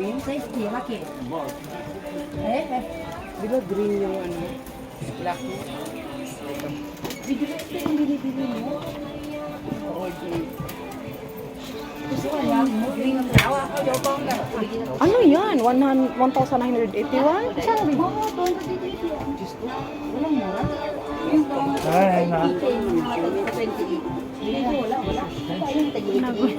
green? Size D, laki. Di ba green yung ano? Lucky? Bigla ito yung binibili mo. Okay. Gusto ko yan. Green ang tawa ko. Ano yan? 1,981? Sabi mo? Oo, 280. Diyos ko. Walang mura. Ay, na. Wala. Ayun, tag-iit.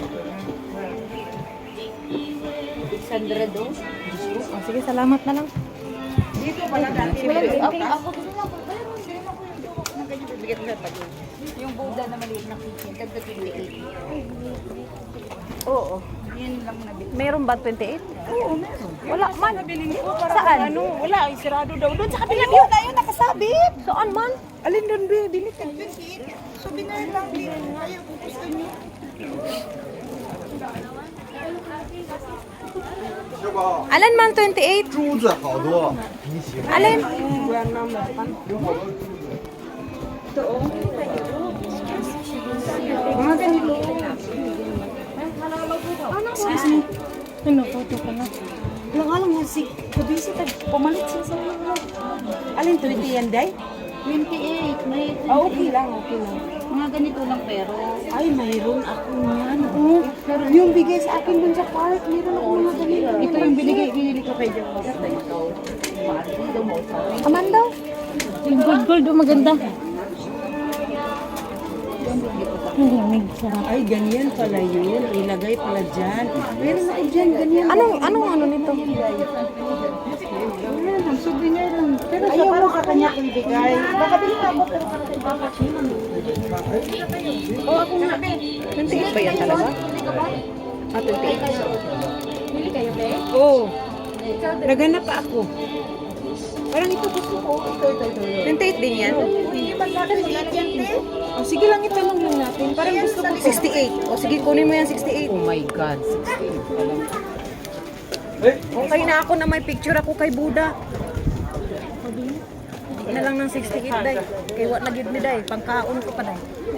600 do. Oh, sige, salamat na lang. Dito pala dati. Okay, ako gusto lang. Bigyan ko sa yung Buddha na maliit na kitchen, tagda 28. Oo. Yan lang nabili. Meron ba 28? Oo, meron. Wala man. Nabiling ko para Saan? ano, wala, ay sirado daw. Doon sa kabila yun na yun, nakasabit. Saan man? Alin doon, be? Binit ka 28. So, binayad lang din. Kaya kung gusto nyo. Alin man 28? 珠子好多，你喜欢？ Alin? Buwan na mapan. Mga ganito. Excuse me. Ano, photo ka na. Lang alam nga si Kabisi, pumalit siya sa mga. Alin 20 yan, day? 28. May Okay lang, okay lang. mga ganito lang pero. Ay, mayroon ako yan. Oh, yung bigay sa akin dun sa park, mayroon ako mga ganito. Ito yung binili ko kay Jack. Amanda? Yung gold, maganda. Ang lamig, sarap. Ay, ganyan pala yun. Ilagay pala dyan. Meron ako dyan, ganyan. Anong ano nito? Ayan, ang souvenir lang. Pero ayaw mo ka kanya ibigay. Baka bilhin ako, pero bakit siya Oo, ako nga. 28 ba yan talaga? Ah, 28. Bili kayo, be? Oo. Naganap pa ako. Parang ito gusto ko. Ito. 28 din yan? Hindi ba natin yan, te? Oh, sige lang, itanong lang natin. Parang gusto ko. 68. O sige, kunin mo yan 68. Oh my God, 68 pa lang. Okay na ako na may picture ako kay Buddha. Hindi na lang ng 68 day. Kay what na gid ni day, pangkaon ko pa day.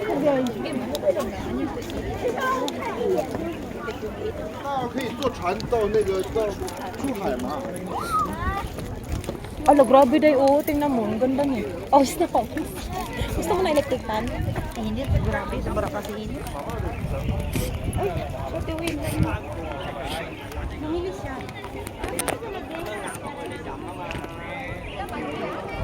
可以坐船到那个到珠海嘛？ Ala, grabe day. Oo, tingnan mo. Ang ganda niya. Oh, gusto ko. Gusto mo na electric fan? Init, grabe, sobra kasi init. Ay, pati win. Bumili siya.